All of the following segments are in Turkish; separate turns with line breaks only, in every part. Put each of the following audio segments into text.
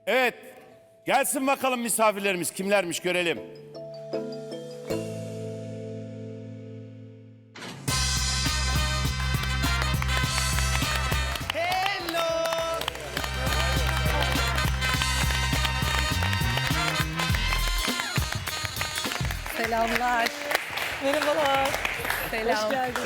Evet. Gelsin bakalım misafirlerimiz kimlermiş görelim.
Selamlar. Merhabalar. Selam.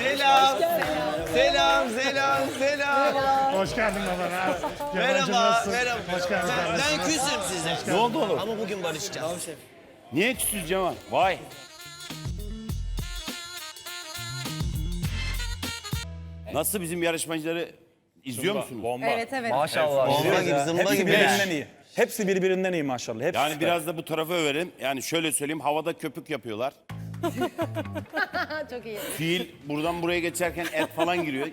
Selam.
Hoş geldin baba.
Merhaba.
Hoş geldin.
Ben küsüm size.
Ne oldu oğlum?
Ama bugün barışacağız.
Niye küsüz Cemal? Vay. Nasıl bizim yarışmacıları izliyor musunuz?
Evet evet.
Maşallah.
Bomba gibi, zımba
Hepsi
gibi.
birbirinden iyi. Hepsi birbirinden iyi maşallah. Hepsi
Yani
süper.
biraz da bu tarafa överim. Yani şöyle söyleyeyim, havada köpük yapıyorlar.
Çok iyi.
Fiil buradan buraya geçerken et falan giriyor.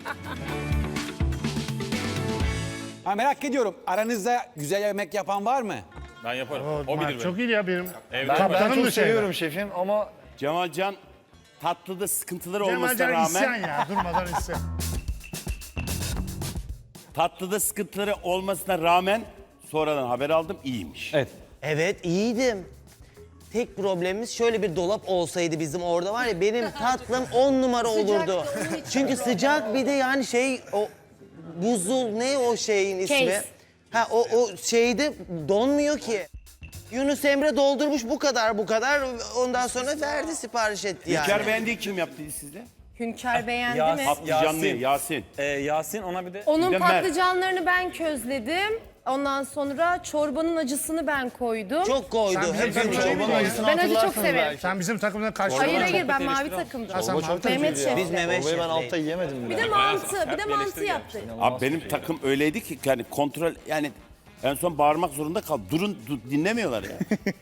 Ha, merak ediyorum. Aranızda güzel yemek yapan var mı?
Ben yaparım.
O,
O bilir beni.
çok iyi ya benim.
Evde
Ben
Kaptanım
çok
da şeyde.
seviyorum şefim ama
Cemalcan tatlıda sıkıntıları olmasına
Cemalcan isyan
rağmen
ya. Durmadan isyan.
tatlıda sıkıntıları olmasına rağmen sonradan haber aldım iyiymiş.
Evet.
Evet iyiydim. Tek problemimiz şöyle bir dolap olsaydı bizim orada var ya benim tatlım 10 numara olurdu. Çünkü sıcak bir de yani şey o buzul ne o şeyin ismi?
Case.
Ha o şeyde donmuyor ki. Yunus Emre doldurmuş bu kadar ondan sonra verdi sipariş etti yani.
İlker beğendiği kim yaptı sizde?
Hünkar beğendi
Yasin.
mi?
Patlıcanlı Yasin.
Yasin ona bir de...
Onun
Bir de Mert.
patlıcanlarını ben közledim. Ondan sonra çorbanın acısını ben koydum.
Çok koydu.
Sen
Hep
bizim
çok
çorbanın
koydu.
acısını
Ben acı çok severim.
Sen bizim takımdan kaç
Hayır
tane-
hayır ben mavi takımdım.
Sen mavi
Mehmet Şef.
Biz Mehmet
Orayı ben
Şef'leyiz.
altta yiyemedim
Bir
bile.
de mantı yaptı.
Abi benim takım öyleydi ki yani kontrol yani en son bağırmak zorunda kal. Durun dinlemiyorlar ya.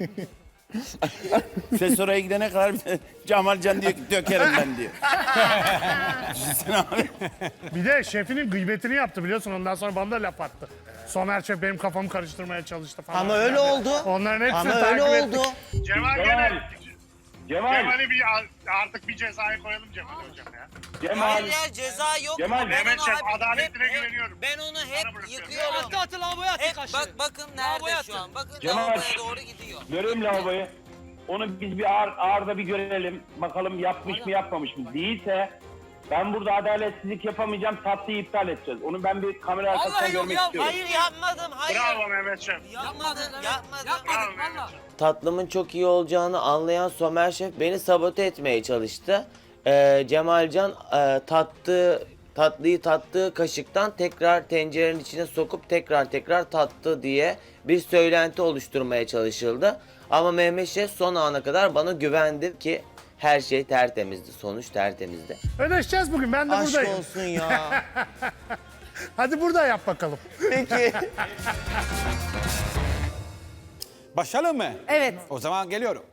Ses oraya gidene kadar bir de Cemalcan diyor ki dökerim ben diyor. Düşünsene abi.
Bir de şefinin gıybetini yaptı biliyorsun. Ondan sonra bana da laf attı. Somer Şef benim kafamı karıştırmaya çalıştı falan.
Ama öyle oldu.
Onların hepsini
Ama
takip
öyle
ettik.
oldu.
Cemal
Cemal.
Cemal'i bir artık bir cezaya koyalım Cemal hocam ya.
Cemal.
ya ceza yok.
Cemal,
Mehmet Şef adaletine güveniyorum.
Ben onu hep
bırakıyorum.
yıkıyorum. Bakın nerede şu an. Bakın
Cemal.
lavaboya doğru gidiyor.
Göreyim lavaboyu. Onu biz bir ağırda bir görelim. Bakalım yapmış mı yapmamış mı? Değilse ben burada adaletsizlik yapamayacağım. Tatlıyı iptal edeceğiz. Onu ben bir kamera arkasından görmek istiyorum.
Hayır yapmadım. Hayır.
Bravo Mehmet Şef.
Yapmadım.
Bravo Mehmet Şef.
Tatlımın çok iyi olacağını anlayan Somer Şef beni sabote etmeye çalıştı. Cemalcan tatlıyı tattığı kaşıktan tekrar tencerenin içine sokup tekrar tattı diye bir söylenti oluşturmaya çalışıldı. Ama Mehmet Şef son ana kadar bana güvendi ki her şey tertemizdi. Sonuç tertemizdi.
Ödeşeceğiz bugün. Ben de
Aşk
buradayım.
olsun ya.
Hadi burada yap bakalım.
Peki.
Başlayalım mı?
Evet.
O zaman geliyorum.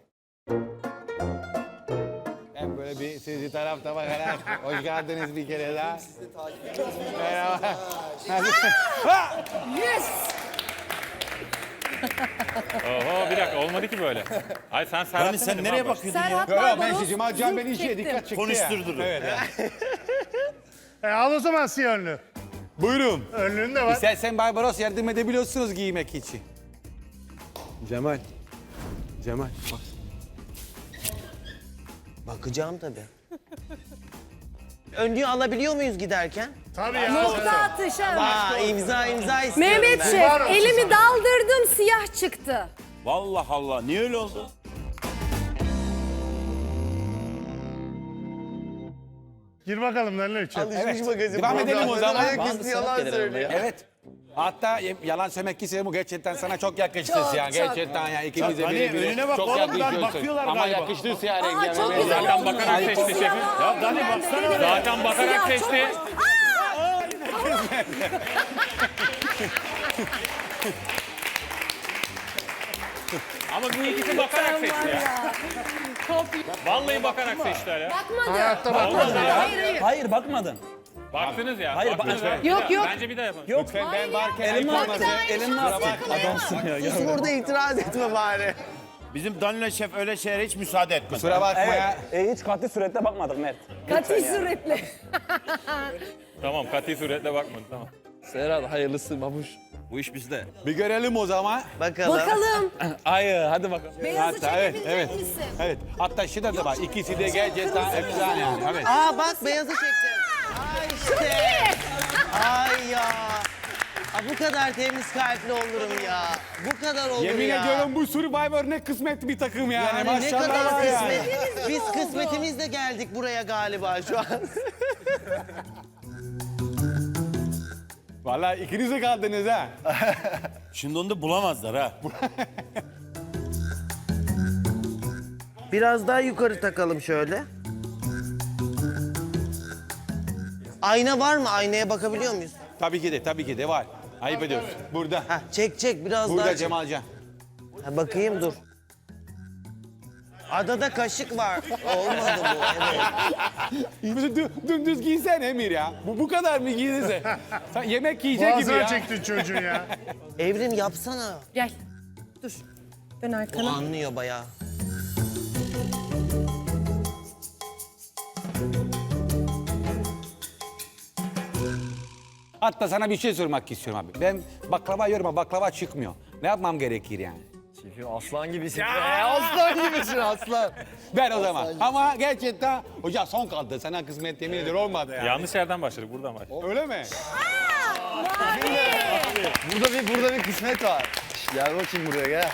Ben böyle bir sizi tarafta bakarak hoş geldiniz bir kere daha. Sizi de takip ediyoruz. Merhaba.
Yes.
Oho bir dakika olmadı ki böyle. Ay sen Serhat
Yani sen nereye bakıyordun ya?
Serhat
Yok ben
Barbaros
Cemal Can beni
zınk
işe
çektim.
dikkat çekti ya.
Konuşturdun.
Evet.
Al o zaman siyah önlüğü.
Buyurun.
Önlüğün de var.
İstersen Barbaros yardım edebiliyorsunuz giymek için. Cemal. Bak.
Bakacağım tabii. Önlüğü alabiliyor muyuz giderken?
Tabii ya.
Nokta atışı.
İmza istiyorum
Mehmet
ben.
Şef
Var olsun
elimi
sana.
daldırdım siyah çıktı.
Vallahi Allah niye öyle oldu?
Gir bakalım neler için.
Alışmış magazin.
Devam edelim o zaman.
Ayaküstü yalan söylüyor.
Evet. Hatta yalan söylemek ki bu gerçekten sana çok yakıştı
Çok,
yani.
çok.
Gerçekten yani ikimize
Hani
birbirine
önüne bak
çok
oğlum,
yakışıyorsun.
bakıyorlar
Ama
galiba.
yakıştı siyah
Aa
rengi.
çok güzel
Zaten
oldu.
bakarak
İki
seçti
siyah
şefim.
aldım.
Ya Dani
Ben de
baksana
dedim.
oraya.
Zaten bakarak
Siyah çok
seçti. Ama bu ikisi bakarak seçti ya. Vallahi bakarak seçtiler ya.
Bakmadı.
Hayatta bak.
Bakmadı. Hayır hayır.
Hayır bakmadın.
Baktınız ya.
Hayır,
baktınız
bak-
ya.
Yok, yok.
Bence bir daha yapın.
Yok.
Lütfen ben varken
Elim
ayıp
var.
olmasın.
Elim var. Adamsın ya.
Sus burada itiraz etme bari.
Bizim Danilo Şef öyle şeylere hiç müsaade etmez.
Kusura bakma ya.
Hiç katı surette bakmadık Mert.
Katı suretle.
Tamam katı suretle bakmadı tamam.
Serhat hayırlısı babuş.
Bu iş bizde.
Bir görelim o zaman.
Bakalım.
Bakalım.
Hayır hadi bakalım.
Beyazı
Hatta evet,
çekebilecek
evet.
misin?
Evet. Hatta şu da var. İkisi de gerçekten efsane yani. Evet.
Aa bak beyazı çektim. Ay işte. Ay ya. Aa, bu kadar temiz kalpli olurum ya. Bu kadar olur
Yemin
ya.
ediyorum bu Survivor ne kısmet bir takım yani.
Yani ne
Maşallah
kadar
var yani.
kısmet. Biz kısmetimizle geldik buraya galiba şu an.
Vallahi ikiniz de kaldınız ha.
Şimdi onu da bulamazlar ha.
Biraz daha yukarı takalım şöyle. Ayna var mı? Aynaya bakabiliyor muyuz?
Tabii ki de var. Ayıp ediyorsun. Burada.
Ha, çek biraz daha
Burada
çek.
Cemalcan.
Ha, bakayım dur. Adada kaşık var. Olmadı bu. Evet.
Dümdüz giysen Emir ya. Bu kadar mı giyinirse? Sen yemek yiyecek gibi
Boğazına
ya.
çektin çocuğu ya.
Evrim yapsana.
Gel. Dur. Dön
O
arkana.
anlıyor bayağı.
Hatta sana bir şey sormak istiyorum abi. Ben baklava yiyorum ama baklava çıkmıyor. Ne yapmam gerekir yani?
Şefim aslan gibisin. Aslan gibisin aslan.
Ben o zaman. Ama gerçekten hocam son kaldı. Sana kısmet yemin ediyorum olmadı yani.
Yanlış yerden başladık, buradan başladık.
Öyle mi?
Burada bir kısmet var. Gel bakayım buraya gel.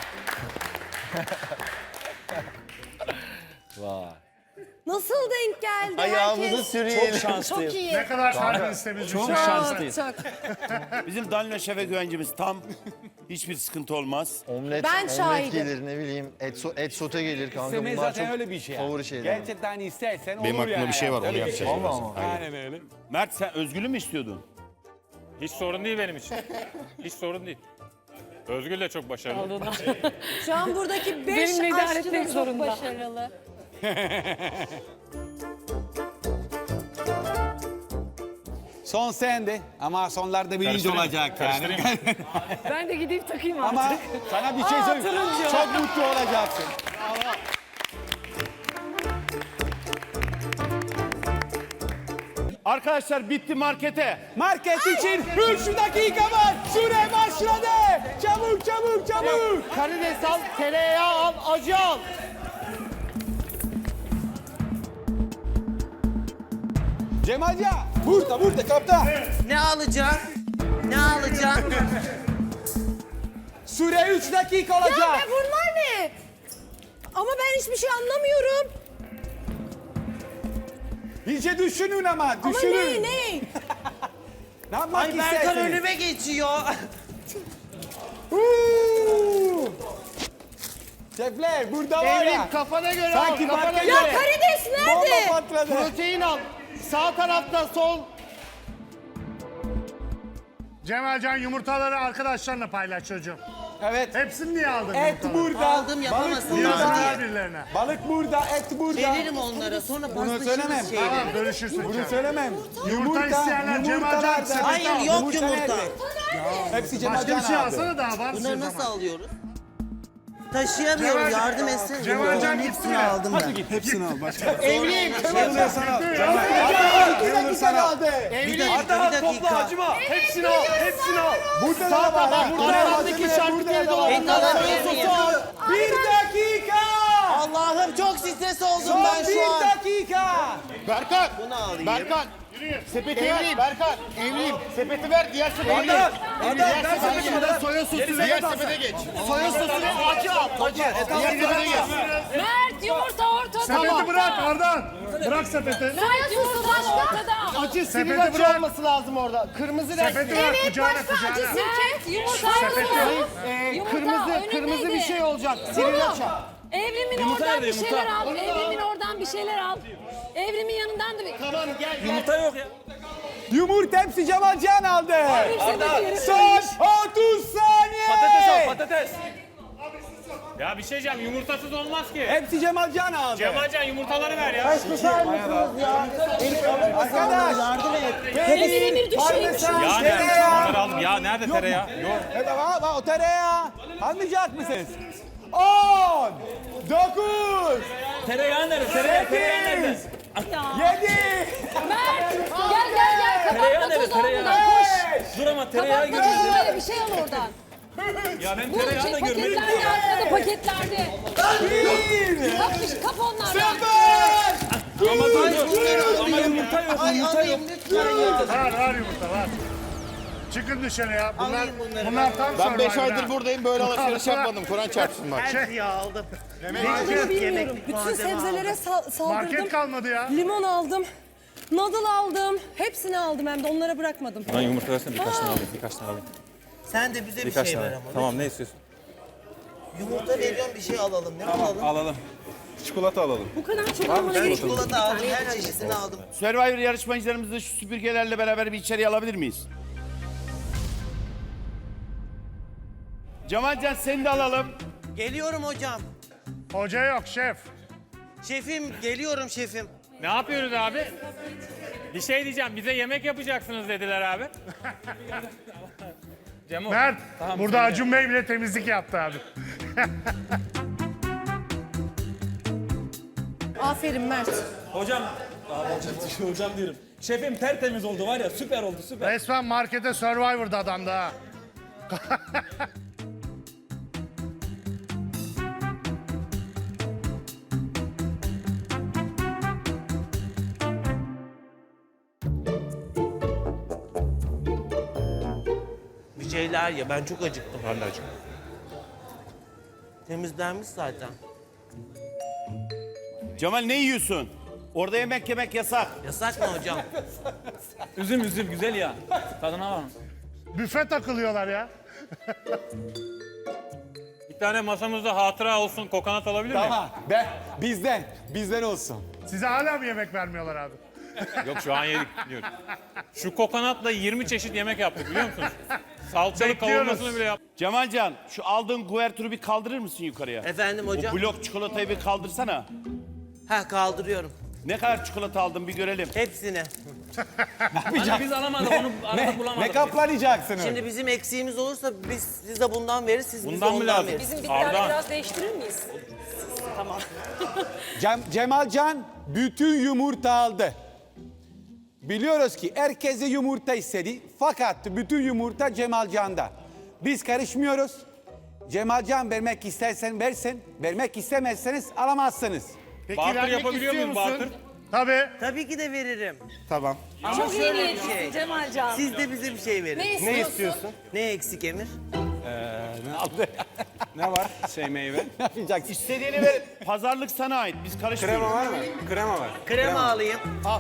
Vay.
Nasıl denk geldi
Ayağımızı
herkes?
sürüyelim.
Çok şanslıyım.
Çok iyi.
Ne kadar terbiyesiz
Çok
bir şey.
şanslıyız.
Çok.
Bizim Danilo Şef'e güvencimiz tam. Hiçbir sıkıntı olmaz.
Ben
Omlet
şahidim.
gelir ne bileyim et sote gelir kanka.
Semih
Bunlar
zaten
çok
öyle bir şey yani.
favori şeyler.
Gerçekten istersen
Benim
olur
aklımda
yani.
bir şey var, onu
Öyle
yapacağız
şey.
Vallahi ama.
Aynen öyle.
Mert sen Özgül'ü mü istiyordun?
Hiç sorun değil benim için. Hiç sorun değil. Özgül de çok başarılı.
Şu an buradaki 5 aşçı da çok başarılı.
Son sende ama sonlarda birinci olacak yani.
Ben de gideyim takayım
Ama sana bir şey söyleyeyim. Çok mutlu olacaksın.
Arkadaşlar bitti markete.
Market için 3 dakika var. Süre başladı. Çabuk çabuk çabuk.
Karides al, tereyağı al, acı al.
Cemalca burada kaptan.
Ne alacağım? Ne alacağım?
Süre 3 dakika
Ya
olacak.
be bunlar ne? Ama ben hiçbir şey anlamıyorum.
İyice düşünün ama
Ama
düşünün.
ne?
Ne yapmak
Ay Berkan
istersiniz?
önüme geçiyor.
Şefler burada var ya.
Kafana göre
Sanki
al, kafana
market-
Ya
göre.
karides
Bomba
nerede?
patladı.
Protein al. Sağ tarafta sol.
Cemalcan yumurtaları arkadaşlarına paylaş çocuğum.
Evet.
Hepsini niye aldın
Et
yumurtaları?
burada.
Aldım, yapamazsın.
Balık
Yazık
burada.
ver birilerine.
Balık burada, et burada.
Veririm onlara sonra
söylemem.
paslaşırız şeyleri.
Tamam bölüşürsün.
Bunu
canım.
söylemem.
Yumurta isteyenler Cemalcan
nerede?
sepeti
Hayır
al.
yok yumurta.
Hepsi
Başka
Cemalcan
bir şey
aldı.
alsana daha var
Bunları
siz
nasıl
ama.
alıyoruz? Taşıyamıyorum yardım etsene.
Cemalcan
Yumurtanın
gitti
hepsini
mi?
aldım ben.
Hepsini al başka.
Evliyim.
Sana aldı.
Bir dakika.
Hepsini al, hepsini al.
Burada
Sağ
da var.
taraf, arandaki şarküteri dolabı.
Et alabilir miyim?
Bir dakika.
Allah'ım çok stres oldum
Son
ben şu an.
bir dakika.
Berkan,
Bunu alayım.
Berkan. Sepeti ver. Berkan, evliyim. Sepeti ver, diğer sepete geç. Diğer sepete geç. Soya sosu, diğer sepete geç. Soya sosu ve acı al, acı. Diğer sepete geç.
Mert yumurta ortada.
Sepeti bırak Ardan. Bırak sepeti.
Mert yumurta ortada.
Acı, sivil
Sepeti
acı
bırak.
olması lazım orada. Kırmızı
Sepeti
renkli.
bırak kucağına
Mert
kucağına.
yumurta
Kırmızı bir şey olacak. Sivil acı.
Evrimin oradan bir şeyler al. Evrimin oradan bir şeyler al. Evrimin yanından da bir...
Tamam gel.
Yumurta yok ya.
Yumurta hepsi Cemalcan aldı. Son 30 saniye.
Patates al patates.
Ya bir şey diyeceğim, yumurtasız olmaz ki.
Hepsi Cemalcan aldı.
Cemalcan yumurtaları ver ya.
Arkadaş.
Yardım et.
Emir düşüyor.
Ya nerede? Onları aldım. Ya nerede tereyağı? Yok.
Evet ama o tereyağı. Almayacak mısınız? 10, 9,
Tereyağı nerede? Tereyağı nerede?
7,
Mert gel.
Tereyağı nerede?
Kabartma tozu
Tereyağı.
olmadan koş.
Dur ama tereyağı
Kapatmak
görüyoruz.
için böyle bir şey al oradan.
Ya ben
Bu
tereyağı da görmedim.
paketlerde arkada paketlerde. Kap onlardan.
Ama dur. Ama yumurta yok.
Ay
Yumurta yok.
alayım lütfen ya.
Var yumurta var. Çıkın dışarı ya.
Alayım bunları
Bunlar tam
Ben 5
Survivor ha.
aydır buradayım böyle alışveriş yapmadım. Kur'an çarpsın bak.
Her şeyi aldım.
Bilmiyorum. Bütün sebzelere saldırdım.
Market kalmadı ya.
Limon aldım. Noodle aldım. Hepsini aldım hem de onlara bırakmadım.
Bana yumurta versene birkaç tane alayım. Birkaç tane alayım.
Sen de bize bir
Birkaç
şey ver
tane.
ama.
Tamam ne istiyorsun?
Yumurta veriyorum bir şey alalım. Ne alalım?
Alalım. Çikolata alalım.
Bu kadar çok almana
Ben
gerek yok.
çikolata aldım. Her çeşidini aldım.
Survivor yarışmacılarımızı şu süpürgelerle beraber bir içeriye alabilir miyiz? Cemalcan seni de alalım.
Geliyorum hocam.
Hoca yok şef.
Şefim geliyorum şefim.
Ne yapıyoruz abi? Bir şey diyeceğim. Bize yemek yapacaksınız dediler abi. Cemo.
Mert
Tamam,
burada
sen de.
Acun Bey bile temizlik yaptı abi.
Aferin Mert.
Hocam. Hocam diyorum. Şefim tertemiz oldu var ya süper oldu süper.
Resmen markete Survivor'da adamdı ha.
Bir şeyler ya. Ben çok acıktım. Ben de acıktım. Temizlenmiş zaten.
Cemal ne yiyorsun? Orada yemek yemek yasak.
Yasak mı hocam?
Üzüm güzel ya. Tadına var.
Büfe takılıyorlar ya.
Bir tane masamızda hatıra olsun kokonat alabilir miyim?
Tamam. Bizden olsun.
Size hala mı yemek vermiyorlar abi?
Yok şu an yedik diyorum. Şu kokonatla 20 çeşit yemek yaptık biliyor musunuz? Salçalı
Bekliyoruz.
kavurmasını bile yaptık.
Cemalcan şu aldığın kuvertürü bir kaldırır mısın yukarıya?
Efendim hocam?
O blok çikolatayı bir kaldırsana.
Ha kaldırıyorum.
Ne kadar çikolata aldın bir görelim.
Hepsini.
Hani biz alamadık onu arada bulamadık.
Ne kaplanacaksınız?
Şimdi bizim eksiğimiz olursa biz size bundan veririz, siz bize
Bundan mı
ondan
lazım?
veririz.
Bizim bitkileri
Ardahan.
biraz değiştirir miyiz?
Tamam.
Cemalcan bütün yumurta aldı. Biliyoruz ki herkese yumurta istedi. Fakat bütün yumurta Cemalcan'da. Biz karışmıyoruz. Cemalcan vermek istersen versin. Vermek istemezseniz alamazsınız.
Peki
Bartır
vermek
yapabiliyor
istiyor
muyuz
musun?
bartır?
Tabii.
Tabii ki de veririm.
Tamam.
Çok iyi
şöyle bir
niyetlisin
şey.
Cemalcan.
Siz de bize bir şey verin.
Ne istiyorsun?
Ne eksik Emir?
Ne var? Meyve. Ne yapacaksın?
İstediğini ver. Pazarlık sana ait. Biz karışmıyoruz.
var mı? Krema var.
Krema alayım. Al.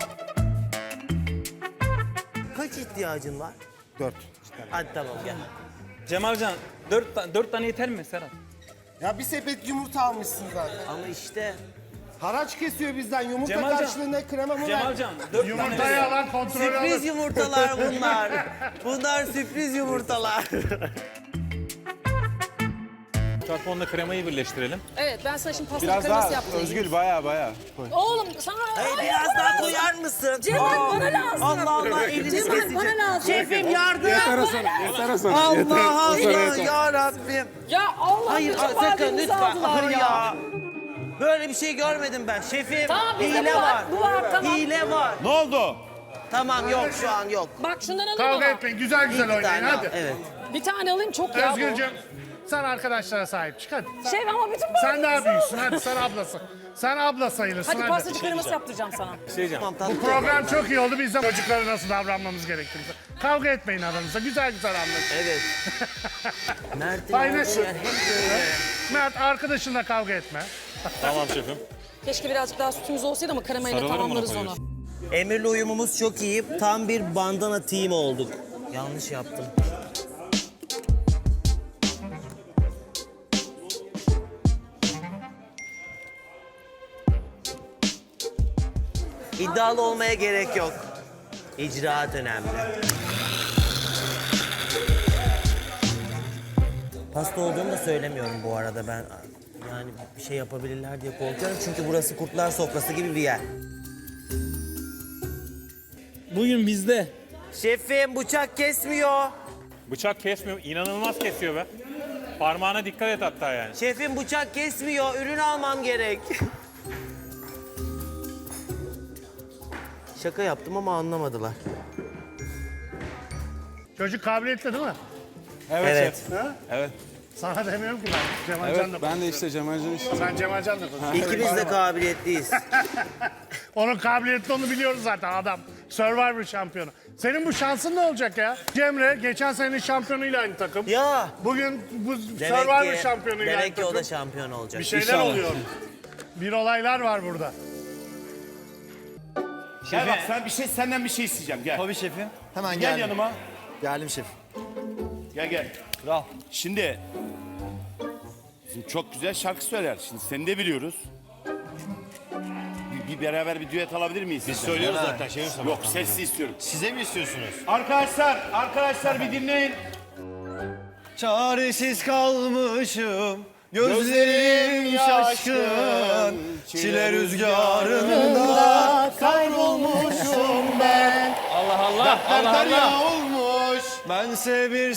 Kaç ihtiyacın var?
4.
Hadi tamam gel.
Cemalcan 4 tane yeter mi Serhat?
Ya bir sepet yumurta almışsın zaten.
Ama işte
Haraç kesiyor bizden. Yumurta
Cemalcan.
karşılığında krema mı ver?
Cemalcan 4
Yumurtayı
tane.
alan kontrolü alır.
sürpriz yumurtalar bunlar. Bunlar sürpriz yumurtalar.
Çarpı kremayı birleştirelim.
Evet ben sana şimdi pasta
Biraz
kreması
daha
yaptırayım.
Özgül baya.
Oğlum sana...
Hayır biraz daha koyar mısın?
Cemal bana lazım.
Allah Allah elini
Cemal
keseceğim.
bana lazım.
Şefim yardım.
Yeter Hasan.
Allah Allah ya Rabbim.
Ya Allah
Hayır
bütün
sakın
malzememizi
lütfen.
aldılar
Hayır ya. Böyle bir şey görmedim ben. Şefim
Tamam, bizde
hile
bu var,
var.
bu var, tamam.
Hile var.
Ne oldu?
Tamam yok şu an yok.
Bak şundan alayım
Kavga
ama.
etmeyin. Güzel güzel
Bir
oynayın
tane al,
hadi.
evet.
Bir tane alayım çok ya bu.
Özgürcüğüm sen arkadaşlara sahip çık hadi.
Şef ama bütün
Sen daha
malzememizi
büyüksün
aldılar.
hadi sen ablasın. Sen abla sayılırsın
Hadi
hadi.
pastacı kreması yaptıracağım sana.
Tamam tatlı.
Program çok iyi oldu. Biz de çocuklara nasıl davranmamız gerektiğini. Kavga etmeyin aranızda. Güzel güzel anlaşın.
Evet. Mert'in
Paylaşın.
olduğu yer hep böyle.
Mert arkadaşınla kavga etme.
Tamam şefim.
Keşke birazcık daha sütümüz olsaydı ama kremayla
Sarılırım
tamamlarız
ona
onu.
Emir'le uyumumuz çok iyi. Tam bir bandana team olduk. Yanlış yaptım. İddialı olmaya gerek yok. İcraat önemli. Hasta olduğumu da söylemiyorum bu arada ben. Yani bir şey yapabilirler diye korkuyorum. Çünkü burası kurtlar sofrası gibi bir yer.
Bugün bizde.
Şefim bıçak kesmiyor.
Bıçak kesmiyor. İnanılmaz kesiyor be. Parmağına dikkat et hatta yani.
Şefim bıçak kesmiyor. Ürün almam gerek. Şaka yaptım ama anlamadılar.
Çocuk kabiliyetli değil mi?
Evet.
Evet.
Sana demiyorum ki ben. Cemalcan da
Ben de işte Cemalcan işte.
Sen Cemalcan da konuşuyorsun.
İkimiz de kabiliyetliyiz.
Onun kabiliyetli onu biliyoruz zaten adam. Survivor şampiyonu. Senin bu şansın ne olacak ya? Cemre geçen senenin şampiyonuyla aynı takım.
Ya.
Bugün bu Survivor şampiyonuyla aynı
Demek ki o
takım.
da şampiyon olacak.
Bir şeyler oluyor. Bir olaylar var burada.
Gel bak senden bir şey isteyeceğim gel.
Tabii şefim. Hemen
Gel
geldim.
yanıma.
Geldim şefim.
Gel.
Kral.
Şimdi çok güzel şarkı söyler. Şimdi seni de biliyoruz. Bir beraber bir düet alabilir miyiz? Biz
Söylüyoruz zaten şefim.
Yok sesli istiyorum.
Size mi istiyorsunuz?
Arkadaşlar bir dinleyin.
Çaresiz kalmışım, gözlerim şaşkın, çile rüzgarında kaybolmuşum ben.
Allah Allah. Allah Allah.
Olmuş, bense bir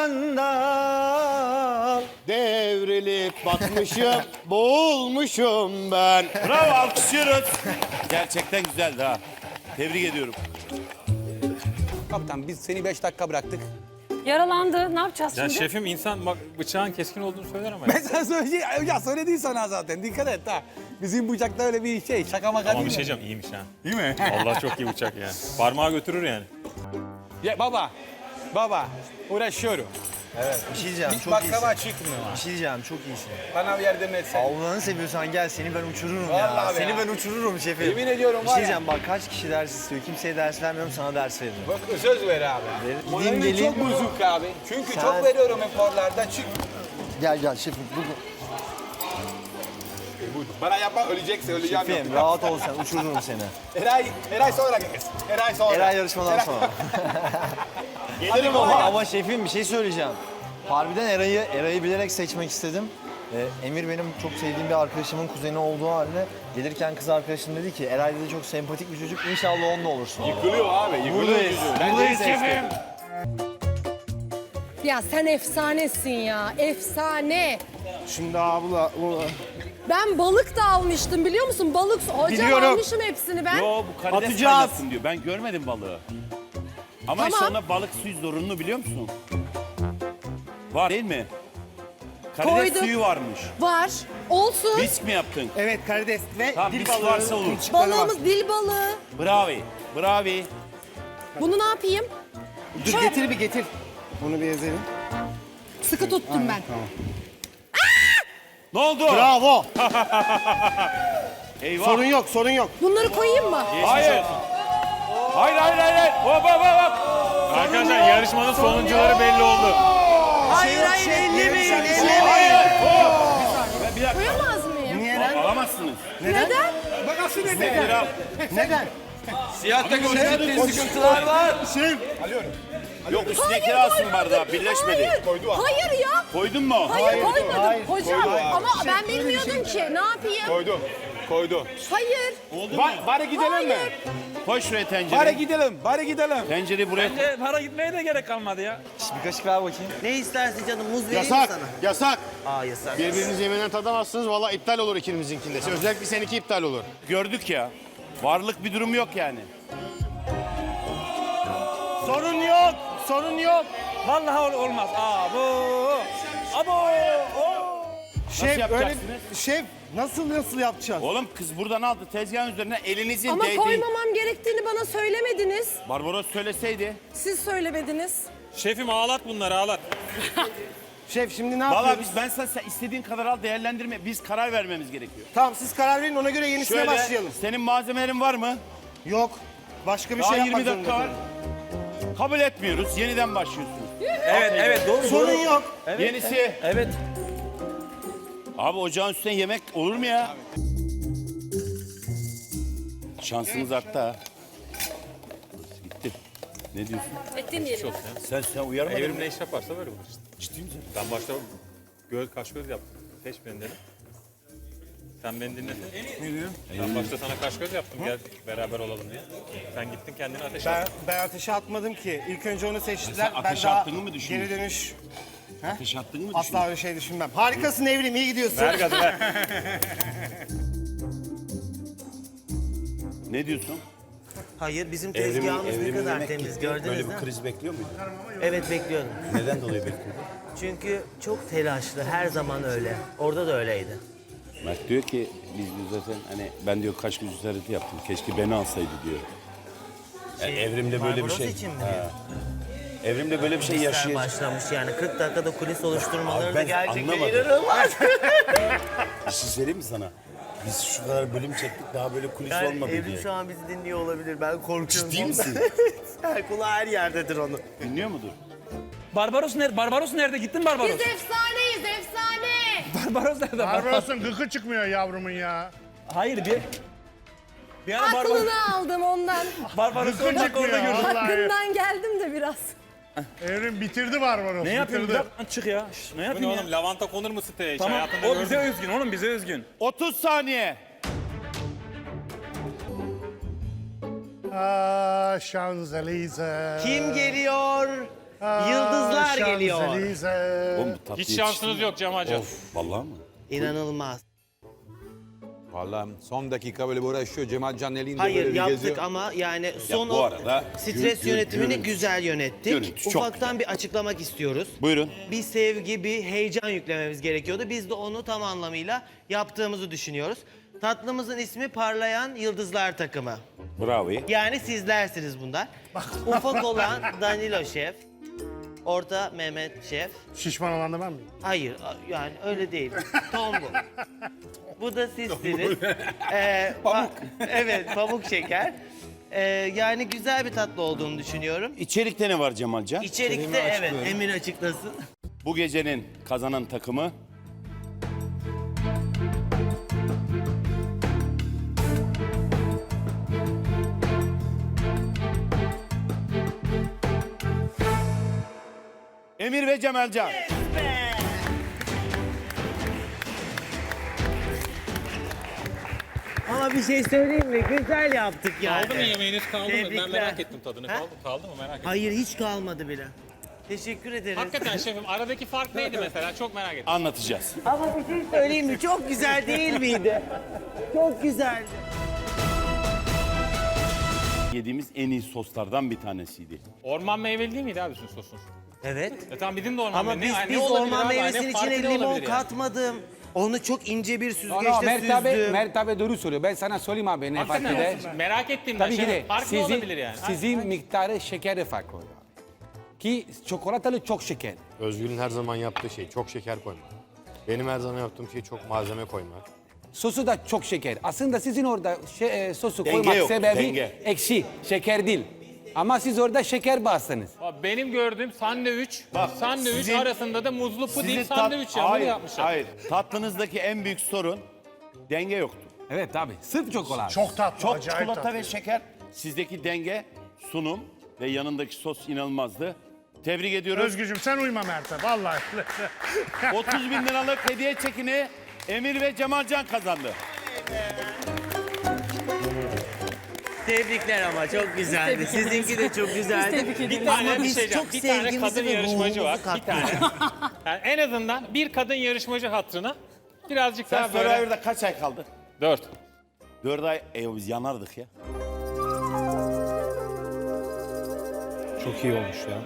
sandal, devrilip batmışım, boğulmuşum ben.
Bravo alkışlıyoruz. Gerçekten güzeldi ha. Tebrik ediyorum.
Kaptan biz seni 5 dakika bıraktık.
Yaralandı. Ne yapacağız
Ya
şimdi?
şefim insan bak bıçağın keskin olduğunu söyler ama.
Ben sana söyleyeyim. Ya söyledin sana zaten. Dikkat et ha. Bizim bıçakta öyle bir şey. Şaka maka
Ama
değil
bir şey
mi?
diyeceğim iyiymiş ha.
Değil mi?
Allah çok iyi bıçak yani. Parmağı götürür yani.
Ya baba uğraşıyorum.
Bir şey diyeceğim,
Hiç
çok
baklava
iyisin.
çıkmıyor.
Bir şey diyeceğim, çok iyisin.
Bana bir yardım etsen.
Allah'ını seviyorsan gel, seni ben uçururum
Vallahi
ya.
be
Seni
ya.
ben uçururum şefim.
Yemin ediyorum
Bir
var
şey
ya.
diyeceğim, bak kaç kişi ders istiyor. Kimseye ders vermiyorum, sana ders veririm.
Bak söz ver abi.
Gideyim
Moralim
geleyim.
çok bozuk abi. Çünkü
Sen-
çok veriyorum eforlarda. Çık.
Gel şefim, bugün.
Bana yapma öleceksin öleceğim.
Şefim, rahat ol sen, uçururum seni.
Eray sonra gelsin. Eray sonra.
Eray yarışmadan sonra.
Gelirim
Ama şefim bir şey söyleyeceğim. Harbiden Eray'ı bilerek seçmek istedim. Emir benim çok sevdiğim bir arkadaşımın kuzeni olduğu halde gelirken kız arkadaşım dedi ki Eray dedi çok sempatik bir çocuk inşallah onunla olursun.
Yıkılıyor abi. Yıkılıyor.
Buradayız. Buradayız
Şefim.
Ya sen efsanesin ya. Efsane.
Şimdi abla
Ben balık da almıştım biliyor musun? Balık. Hocam
Biliyorum.
almışım hepsini ben.
Yo bu karides
Atacağız.
kaynatsın diyor. Ben görmedim balığı. Ama işte
Tamam.
ona balık suyu zorunlu biliyor musun? Var değil mi? Karides
Koyduk.
suyu varmış.
Var. Olsun.
Risk mi yaptın?
evet karides ve
Tamam risk varsa olur.
Balığımız dil balığı.
Bravo.
Bunu ne yapayım?
Dur
Şöyle.
getir bir getir. Bunu bir ezelim.
Sıkı tuttum ben.
Ne oldu?
Bravo.
Eyvah.
Sorun yok.
Bunları koyayım mı?
Hayır. Hayır. Hop.
Arkadaşlar yarışmanın sonuncuları belli oldu.
Hayır ellemeyin.
Hayır. Hop. Bir dakika.
Koyamaz mıyım?
Alamazsınız.
Neden?
Bak nasıl ne
Nedir abi?
Neden?
Siyah takımda sıkıntılar var.
Yok üstündekini alsın bardağı. Birleşmedi.
Hayır. Hayır ya.
Koydun mu?
Hayır koymadım. Hocam ama ben bilmiyordum ki. Ne yapayım?
Koydu.
Hayır.
Bari gidelim mi?
Koy şuraya tencereyi.
Bari gidelim.
Tencereyi buraya koy.
Para gitmeye de gerek kalmadı ya.
Bir kaşık ver bakayım.
Ne istersin canım? Muz vereyim mi
Yasak.
sana?
Yasak.
Aa yasak.
Birbirinizi yemeden tadamazsınız. Valla iptal olur ikimizinkinde. Özellikle seninki iptal olur.
Gördük ya. Varlık bir durum yok yani.
Sorun yok.
Vallahi olmaz.
Nasıl yapacaksınız?
Şef nasıl yapacağız?
Oğlum kız buradan aldı tezgahın üzerine elinizin
Ama
değdiği.
koymamam gerektiğini bana söylemediniz.
Barbaros söyleseydi.
Siz söylemediniz.
Şefim ağlat bunları ağlat.
Şef şimdi ne
Valla ben sana sen istediğin kadar al değerlendirme. Biz karar vermemiz gerekiyor.
Tamam siz karar verin ona göre yenisine
Şöyle senin malzemelerin var mı?
Yok. Başka bir
Daha
şey
20
yapmak
dakika var. Kabul etmiyoruz. Yeniden başlıyorsunuz.
Evet doğru.
Sorun yok.
Yenisi.
Evet.
Abi ocağın üstüne yemek olur mu ya? Şansınız arttı ha. Gitti. Ne diyorsun?
Dinleyelim.
Sen uyarmadın
Evrim
mı?
ne iş yaparsa böyle olur işte.
Ciddi misin?
Ben başta kaş göz yaptım. Seç beni dedim. Sen beni dinledin. Ne diyor? Ben başta sana kaş göz yaptım gel beraber olalım diye. Sen gittin kendini ateşe attın.
Ben ateşe atmadım ki. İlk önce onu seçtiler.
Sen ateşe attığını mı düşünüyorsun?
Geri dönüş
Ateş attın mı
asla öyle şey düşünmem. Harikasın Evrim, iyi gidiyorsun.
Ver gazı ver.
Ne diyorsun?
Hayır, bizim tezgahımız ne kadar temiz gördünüz
Böyle
değil
bir
mi?
kriz bekliyor muydun?
Evet, bekliyordum.
Neden dolayı bekliyordun?
Çünkü çok telaşlı, her zaman öyle. Orada da öyleydi.
Mert diyor ki biz diyor zaten hani ben diyor kaş göz ziyareti yaptım. Keşke beni alsaydı diyor. Evrimde böyle bir
Barbaros
şey.
için mi
Ha.
diyor?
Evrimde böyle bir şey
Kulisler
yaşayacak.
başlamış yani 40 dakikada kulis oluşturmaları
Abi
da
ben
gerçekten
anlamadım.
inanılmaz.
Bir şey söyleyeyim mi sana? Biz şu kadar bölüm çektik daha böyle kulis
Yani
olmadı
Evrim
diye.
şu an bizi dinliyor olabilir. Ben korkuyorum.
Ciddi
ondan.
misin?
Kulağı her yerdedir onu.
Dinliyor mudur?
Barbaros nerede? Barbaros nerede? Gittin Barbaros.
Biz efsaneyiz, efsane.
Barbaros nerede?
Barbaros'un gıkı çıkmıyor yavrumun ya.
Hayır bir ara Barbaros.
Aklını aldım ondan.
Barbaros'u
Gıkı
10 dakika
çıkmıyor
orada gördüm.
vallahi.
Hakkından geldim de biraz.
Evrim bitirdi Barbaros.
Ne yapıyorsun?
bitirdi.
Lan çık ya. Şş, ne
Bu ne
yapayım ya?
oğlum lavanta konur mu siteye? Hiç
Tamam
hayatında
o
gördün
bize
mü?
özgün oğlum bize özgün.
30 saniye.
Şanzelize.
Kim geliyor? Yıldızlar geliyor.
Şanzelize.
Oğlum, bu tatlı
Hiç şansınız yok Cemalcan.
Of vallahi mı?
İnanılmaz.
Vallahi son dakika böyle uğraşıyor. Cemalcan elinde
Hayır
böyle bir
yaptık
geziyor.
ama yani son
bu
o
arada
stres yönetimini
görüntü-
güzel yönettik.
Görüntü çok
Ufaktan bir açıklamak istiyoruz.
Buyurun.
Bir sevgi, bir heyecan yüklememiz gerekiyordu. Biz de onu tam anlamıyla yaptığımızı düşünüyoruz. Tatlımızın ismi Parlayan Yıldızlar Takımı.
Bravo.
Yani sizlersiniz bunlar. Ufak olan Danilo Şef. Orta Mehmet Şef.
Şişman olan da ben miyim?
Hayır yani öyle değil. Tom bu. Bu da sizsiniz. Pamuk. Evet pamuk şeker. Yani güzel bir tatlı olduğunu düşünüyorum.
İçerikte ne var Cemalcan?
İçerikte evet Emir açıklasın.
Bu gecenin kazanan takımı Emir ve Cemalcan.
Ama bir şey söyleyeyim mi? Güzel yaptık yani.
Kaldı mı yemeğiniz kaldı mı? Ben
Tebrikler.
merak ettim tadını.
Ha?
Kaldı mı merak ettim.
Hayır hiç kalmadı bile. Teşekkür ederiz.
Hakikaten şefim aradaki fark neydi mesela? Çok merak ettim.
Anlatacağız.
Ama bir şey söyleyeyim mi? Çok güzel değil miydi? Çok güzeldi.
Yediğimiz en iyi soslardan bir tanesiydi.
Orman meyveli değil miydi abi sizin sosunuz?
Evet.
Tamam bizim de orman
Ama
meyveli.
biz
olabilir
orman
abi?
meyvesinin
Ne farkı
içine
ne
limon
olabilir yani?
katmadım. Onu çok ince bir
No,
süzgeçte süzdüm.
Mert abi doğru söylüyor. Ben sana söyleyeyim abi ne fark eder.
Hakikaten merak ettim ben.
Tabii ki de
Fark ne olabilir yani?
sizin miktarı şekeri farklı oluyor. Ki çikolatalı çok şeker.
Özgür'ün her zaman yaptığı şey çok şeker koymak. Benim her zaman yaptığım şey çok malzeme koymak.
Sosu da çok şeker. Aslında sizin orada sosu
Denge
koymak
yok,
sebebi
denge.
ekşi, şeker değil. Ama siz orada şeker bastınız.
Abi benim gördüğüm sandviç
sizin-
arasında da muzlu puding
Sizin
sandviç ya. Bunu
hayır,
yapmışlar.
hayır. Tatlınızdaki en büyük sorun denge yoktu.
Evet abi, sırf çokolata.
Çok tatlı,
Çok
acayip
çikolata
tatlı.
ve şeker. Sizdeki denge, sunum ve yanındaki sos inanılmazdı. Tebrik ediyoruz.
Özgücüm sen uyma Mert'e vallahi.
30 bin liralık hediye çekini Emir ve Cemalcan kazandı.
Tebrikler ama çok güzeldi. Sizinki de çok güzeldi.
Bir tane
Ama
bir
biz
şey diyeceğim.
çok
Bir tane
sevgimizi
kadın
ve
yarışmacı var.
ruhumuzu
Bir tane. Yani en azından bir kadın yarışmacı hatırına birazcık
Sen
daha böyle.
Survivor'da kaç ay kaldı?
4.
4 ay. Biz yanardık ya.
Çok iyi olmuş ya.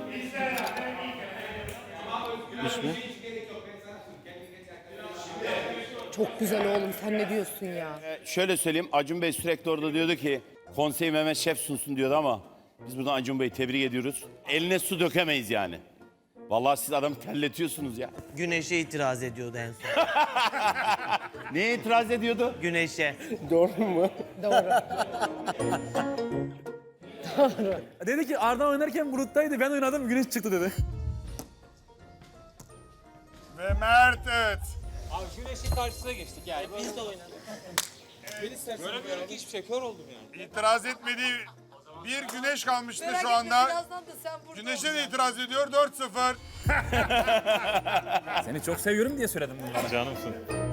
Çok güzel oğlum, sen ne diyorsun ya?
Şöyle söyleyeyim. Acun Bey sürekli orada diyordu ki konseyi Mehmet Şef sunsun diyordu ama biz buradan Acun Bey'i tebrik ediyoruz. Eline su dökemeyiz yani. Vallahi siz adamı terletiyorsunuz ya.
Güneşe itiraz ediyordu en son.
Neye itiraz ediyordu?
Güneşe.
Dedi ki Arda oynarken buluttaydı ben oynadım güneş çıktı dedi.
Ve Mert.
Abi güneşin karşısına geçtik yani. Biz de oynadık. Göremiyorum ki hiçbir şey. Kör oldum yani.
İtiraz etmediği bir güneş kalmıştı şu anda. Güneşe de itiraz ediyor 4-0.
Seni çok seviyorum diye söyledim bunları.
Canımsın.